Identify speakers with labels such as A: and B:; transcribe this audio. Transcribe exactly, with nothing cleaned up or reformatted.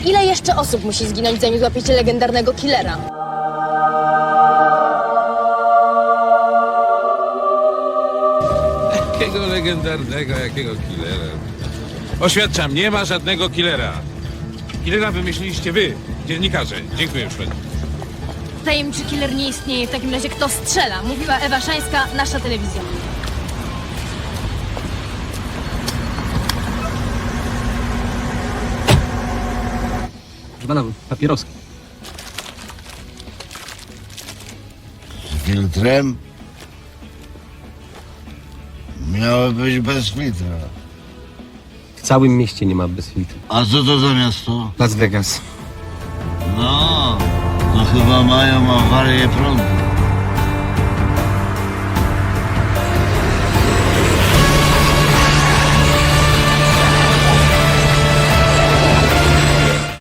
A: Ile jeszcze osób musi zginąć, zanim złapiecie legendarnego killera?
B: Jakiego legendarnego, jakiego killera? Oświadczam, nie ma żadnego killera. Killera wymyśliliście wy, dziennikarze. Dziękuję już.
A: Tajemniczy killer nie istnieje. W takim razie kto strzela? Mówiła Ewa Szańska, nasza telewizja.
C: Proszę pana, papieroski.
D: Z filtrem? Miały być bez filtra.
C: W całym mieście nie ma bez filtru.
D: A co to za miasto?
C: Las Vegas.
D: No, no chyba mają awarię prądu.